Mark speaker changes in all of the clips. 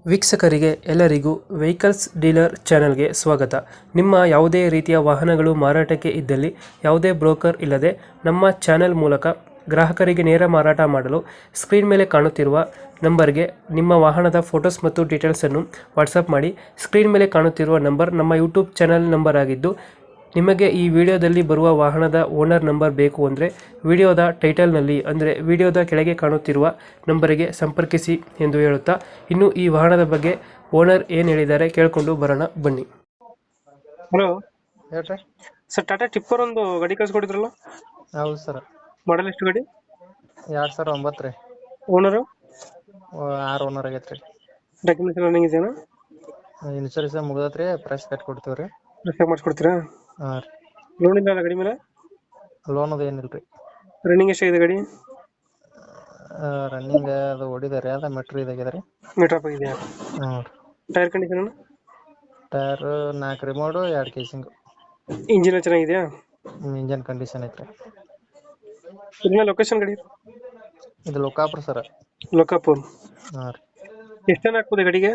Speaker 1: ವೀಕ್ಷಕರಿಗೆ ಎಲ್ಲರಿಗೂ vehicles dealer ಚಾನೆಲ್ಗೆ ಸ್ವಾಗತ. ನಿಮ್ಮ ಯಾವುದೇ ರೀತಿಯ ವಾಹನಗಳು ಮಾರಾಟಕ್ಕೆ ಇದ್ದಲ್ಲಿ ಯಾವುದೇ ಬ್ರೋಕರ್ ಇಲ್ಲದೆ ನಮ್ಮ ಚಾನೆಲ್ ಮೂಲಕ ಗ್ರಾಹಕರಿಗೆ ನೇರ ಮಾರಾಟ ಮಾಡಲು ಸ್ಕ್ರೀನ್ ಮೇಲೆ ಕಾಣುತ್ತಿರುವ ನಂಬರ್ಗೆ ನಿಮ್ಮ ವಾಹನದ ಫೋಟೋಸ್ ಮತ್ತು ಡೀಟೇಲ್ಸನ್ನು ವಾಟ್ಸಪ್ ಮಾಡಿ. ಸ್ಕ್ರೀನ್ ಮೇಲೆ ಕಾಣುತ್ತಿರುವ ನಂಬರ್ ನಮ್ಮ ಯೂಟ್ಯೂಬ್ ಚಾನೆಲ್ ನಂಬರ್ ಆಗಿದ್ದು, ನಿಮಗೆ ಈ ವಿಡಿಯೋದಲ್ಲಿ ಬರುವ ವಾಹನದ ಓನರ್ ನಂಬರ್ ಬೇಕು ಅಂದರೆ ವಿಡಿಯೋದ ಟೈಟಲ್ನಲ್ಲಿ ಅಂದರೆ ವಿಡಿಯೋದ ಕೆಳಗೆ ಕಾಣುತ್ತಿರುವ ನಂಬರಿಗೆ ಸಂಪರ್ಕಿಸಿ ಎಂದು ಹೇಳುತ್ತಾ, ಇನ್ನು ಈ ವಾಹನದ ಬಗ್ಗೆ ಓನರ್ ಏನು ಹೇಳಿದ್ದಾರೆ ಕೇಳಿಕೊಂಡು ಬರೋಣ ಬನ್ನಿ. ಹಲೋ
Speaker 2: ಹೇಳ್ರಿ.
Speaker 1: ಸರ್, ಟಾಟಾ ಟಿಪ್ಪರ್ ಒಂದು ಗಾಡಿ ಕಳ್ಸಿಕೊಟ್ಟಿದ್ರಲ್ಲ,
Speaker 2: ಹೌದು ಸರ್.
Speaker 1: ಮಾಡಲ್ ಎಷ್ಟು ಗಾಡಿ?
Speaker 2: 2009 ರೀ.
Speaker 1: ಓನರು?
Speaker 2: 6 ಓನರ್ ಆಗೈತ್ರಿ.
Speaker 1: ಡಾಕ್ಯುಮೆಂಟ್ಸ್ ಎಲ್ಲ ರನ್ನಿಂಗ್ ಇದೆಯಾ?
Speaker 2: ಇನ್ಶೂರೆನ್ಸ್ ಮುಗ್ದತ್ರಿ, ಪ್ರೈಸ್ ಕಟ್ ಕೊಡ್ತೀವ್ರಿ.
Speaker 1: ರಿಫ್ಯಾಕ್ ಮಾಡಿಸ್ಕೊಡ್ತೀರಾ?
Speaker 2: ಹಾಂ ರೀ.
Speaker 1: ಲೋನ್ ಇಲ್ಲ ಗಾಡಿ ಮೇಲೆ?
Speaker 2: ಲೋನ್ ಅದು ಏನಿಲ್ರಿ.
Speaker 1: ರನ್ನಿಂಗ್ ಎಷ್ಟಾಗಿದೆ ಗಾಡಿ?
Speaker 2: ರನ್ನಿಂಗ್ ಅದು ಹೊಡಿದಾರೆ, ಅದು ಮೆಟ್ರೋ ಇದಾಗಿದೆ ರೀ.
Speaker 1: ಮೀಟರ್ ಅಪ್ ಇದೆಯಾ?
Speaker 2: ಹ್ಞೂ.
Speaker 1: Tyre condition?
Speaker 2: Tyre 4 remould, 2 casing.
Speaker 1: Engine ಚೆನ್ನಾಗಿದೆಯಾ?
Speaker 2: ಇಂಜನ್ ಕಂಡೀಷನ್ ಐತ್ರಿ.
Speaker 1: ಇದನ್ನ ಲೊಕೇಶನ್ ಗಾಡಿ?
Speaker 2: ಇದು ಲೋಕಾಪುರ ಸರ್.
Speaker 1: ಲೋಕಾಪುರ್.
Speaker 2: ಹಾಂ ರೀ.
Speaker 1: ಎಷ್ಟು ಟನ್ ಹಾಕ್ಬೋದು ಗಾಡಿಗೆ?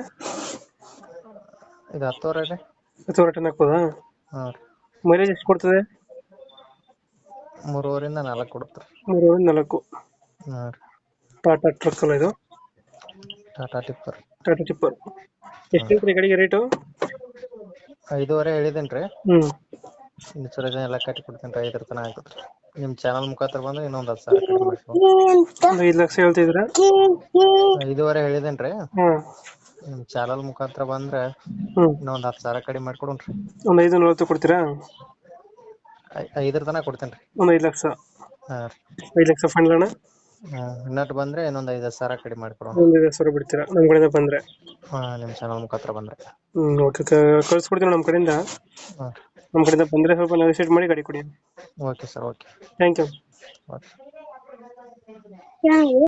Speaker 2: ಇದು 10 ರೀ.
Speaker 1: 10 ಟನ್ ಹಾಕ್ಬೋದಾ?
Speaker 2: ಹಾಂ ರೀ.
Speaker 1: ಮೈಲೇಜ್ ಎಷ್ಟು ಕೊಡ್ತದೆ?
Speaker 2: 3.5 ರಿಂದ 4 ಕೊಡುತ್ತೆ ರೀ.
Speaker 1: 3-4.
Speaker 2: ಹಾಂ ರೀ.
Speaker 1: ಟಾಟಾ ಟ್ರಕ್ ಅಲ್ಲ ಇದು?
Speaker 2: Tata tipper.
Speaker 1: Tata tipper. ಎಷ್ಟು ಹೇಳ್ತೀರಿ ಗಾಡಿಗೆ ರೇಟು?
Speaker 2: 5.5 ಹೇಳಿದೇನು ರೀ.
Speaker 1: ಹ್ಮ್.
Speaker 2: ಇನ್ಶೂರೆನ್ಸ್ ಎಲ್ಲ ಕಟ್ಟಿ ಕೊಡ್ತೀನಿ ರೀ. 5 ತನಕ ಆಗ್ತದೆ ರೀ. ನಿಮ್ಮ ಚಾನಲ್ ಮುಖಾಂತರ ಬಂದ್ರೆ ಇನ್ನೊಂದು 10,000 ಕಡಿಮೆ ಮಾಡ್ಕೊಂಡು.
Speaker 1: ಒಂದು 5 ಲಕ್ಷ ಹೇಳ್ತಿದ್ದೀರಾ?
Speaker 2: 5.5 ಹೇಳಿದೇನು ರೀ.
Speaker 1: ಹ್ಮ್.
Speaker 2: ನಿಮ್ಮ ಚಾನಲ್ ಮುಖಾಂತರ ಬಂದ್ರೆ
Speaker 1: ಹ್ಮ್.
Speaker 2: ಇನ್ನೊಂದು 10,000 ಕಡಿಮೆ ಮಾಡ್ಕೊಡ್ರಿ.
Speaker 1: ಒಂದು 5-40 ಕೊಡ್ತೀರಾ?
Speaker 2: 5 ತನಕ ಕೊಡ್ತೇನೆ ರೀ.
Speaker 1: ಒಂದು 5 ಲಕ್ಷ?
Speaker 2: ಹಾಂ ರೀ.
Speaker 1: 5 ಲಕ್ಷ ಫೈನಲ್ ಅಣ್ಣ?
Speaker 2: ಇನ್ನಟ್ಟು ಬಂದ್ರೆ ಇನ್ನೊಂದು 5,000 ಕಡಿಮೆ ಮಾಡ್ಕೊಡೋಣ.
Speaker 1: ಒಂದು 5 ಸಾವಿರ ಬಿಡ್ತೀರಾ ನಮ್ಮ ಕಡೆಯಿಂದ ಬಂದರೆ?
Speaker 2: ಹಾಂ, ನಿಮ್ಮ ಚಾನಲ್ ಮುಖಾಂತರ ಬಂದ್ರೆ.
Speaker 1: ಓಕೆ, ಕಳ್ಸ್ಕೊಡ್ತೀವಿ ನಮ್ಮ ಕಡೆಯಿಂದ.
Speaker 2: ಹಾಂ.
Speaker 1: ನಮ್ಮ ಕಡೆಯಿಂದ ಬಂದರೆ ಸ್ವಲ್ಪ ನೆಗೋಸಿಯೇಟ್ ಮಾಡಿ ಗಾಡಿ ಕೊಡಿ.
Speaker 2: Okay sir, okay.
Speaker 1: Thank you.
Speaker 2: Okay.